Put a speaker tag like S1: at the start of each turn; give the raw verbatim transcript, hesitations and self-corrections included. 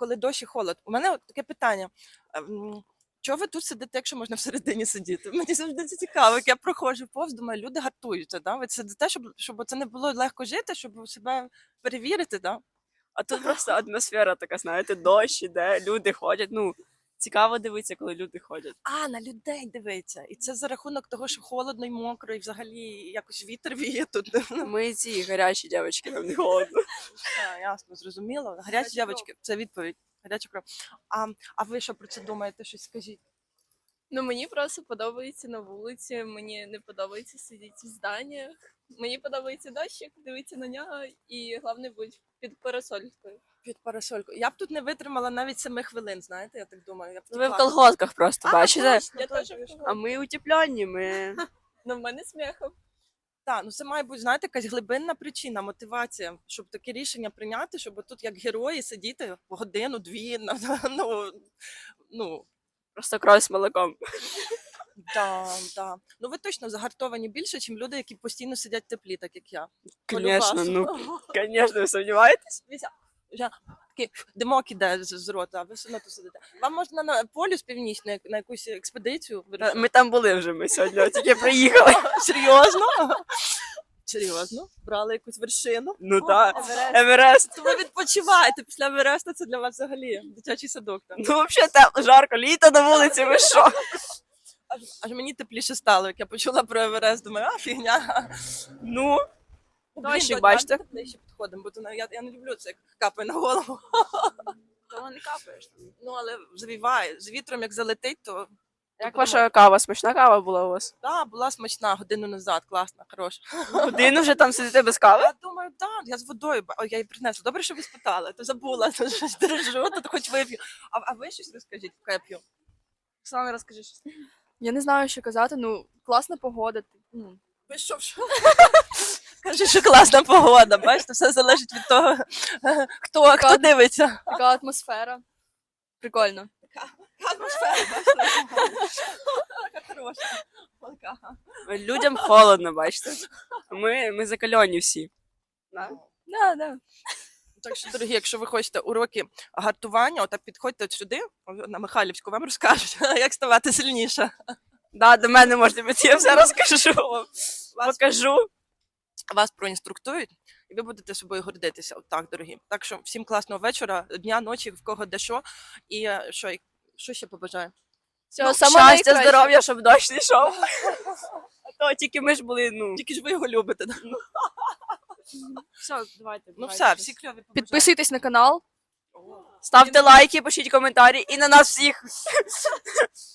S1: коли дощ і холод. У мене от таке питання. ем, Чого ви тут сидите, якщо можна всередині сидіти? Мені завжди це цікаво. Як я проходжу повз, думаю, люди гартуються. Да? Ви сидите, щоб, щоб це не було легко жити, щоб себе перевірити. Да?
S2: А тут просто атмосфера така, знаєте, дощ іде, люди ходять. Ну, цікаво дивитися, коли люди ходять.
S1: А, на людей дивиться. І це за рахунок того, що холодно і мокро, і взагалі якось вітер віє тут.
S2: Ми ці гарячі дівчатки, нам не холодно.
S1: А, ясно, зрозуміло. Гарячі дівчатки, це відповідь. Гаряча кров. А, а ви що про це думаєте? Щось скажіть.
S3: Ну, мені просто подобається на вулиці, мені не подобається сидіти в зданнях. Мені подобається дощик, дивитися на нього і головне бути під парасолькою.
S1: Під парасолькою. Я б тут не витримала навіть семи хвилин, знаєте, я так думаю. Я б
S2: Ви в
S1: втекла.
S2: колготках просто,
S1: А,
S2: бачите?
S1: точно,
S3: Я
S1: точно.
S3: теж в
S2: А ми утеплянні, ми...
S3: Ну, в мене сміхом.
S1: Так, ну це має бути, знаєте, якась глибинна причина, мотивація, щоб таке рішення прийняти, щоб тут як герої сидіти годину, дві, ну, ну,
S2: Просто кров з молоком.
S1: да, да. Ну ви точно загартовані більше, ніж люди, які постійно сидять в теплі, так як я.
S2: Звісно, ну, звісно, ви сумніваєтесь?
S1: Дивіться, вже такий димок іде з, з рота, а ви все одно тут сидите. Вам можна на полюс північний, на якусь експедицію вирішити?
S2: Ми там були вже, ми сьогодні тільки приїхали.
S1: Серйозно? Серйозно? Брали якусь вершину?
S2: Ну так,
S1: Еверест.
S2: Еверест.
S1: То ви відпочиваєте після Евереста, це для вас взагалі дитячий садок там.
S2: Ну, взагалі, тепло, жарко, літо на вулиці, ви що?
S1: Аж, аж мені тепліше стало, як я почула про Еверест, думаю, а фігня.
S2: Ну,
S1: Блін,
S2: Дощик,
S1: давайте
S2: бачите?
S1: ближче підходимо, бо то на- я, я не люблю це, як капає на голову.
S2: то не капаєш.
S1: Ну, але завіває. З вітром як залетить, то...
S2: Як ваша кава? Смачна кава була у вас?
S1: Так, була смачна годину назад, класна, хороша.
S2: Годину вже там сидите без кави?
S1: Я думаю, так, я з водою, ба- ой, я її принесла. Добре, що ви спитали, то забула, то щось держу, то хоч вип'ю. А, а ви щось розкажіть, поки я п'ю? Оксана, розкажи щось.
S3: Я не знаю, що казати, ну, класна погода. Ну,
S1: Ви що, що? Каже, що класна погода, бачите, все залежить від того, хто, хто дивиться.
S3: така атмосфера. Прикольно.
S1: Атмосфера, Така хороша. Така.
S2: Людям холодно, бачите? Ми, ми закальоні всі. Да?
S3: Да, да.
S1: Так що, дорогі, якщо ви хочете уроки гартування, отак підходьте от сюди, на Михайлівську, вам розкажуть, як ставати сильніше.
S2: Да, до мене можете прийти, я все розкажу вам.
S1: Вас,
S2: Покажу.
S1: вас проінструктують, і ви будете собою гордитися. Отак, дорогі. Так що всім класного вечора, дня, ночі, в кого де що. І е, що, і- що ще побажаю?
S3: Всього
S2: Ну,
S3: самого
S2: щастя,
S3: найкращого.
S2: здоров'я, щоб дощ не йшов. А то тільки ми ж були, ну...
S1: Тільки ж ви його любите. Да?
S2: Все, давайте.
S1: Ну все, всі кльові побажання.
S3: Підписуйтесь на канал.
S2: Ставте лайки, пишіть коментарі і на нас всіх.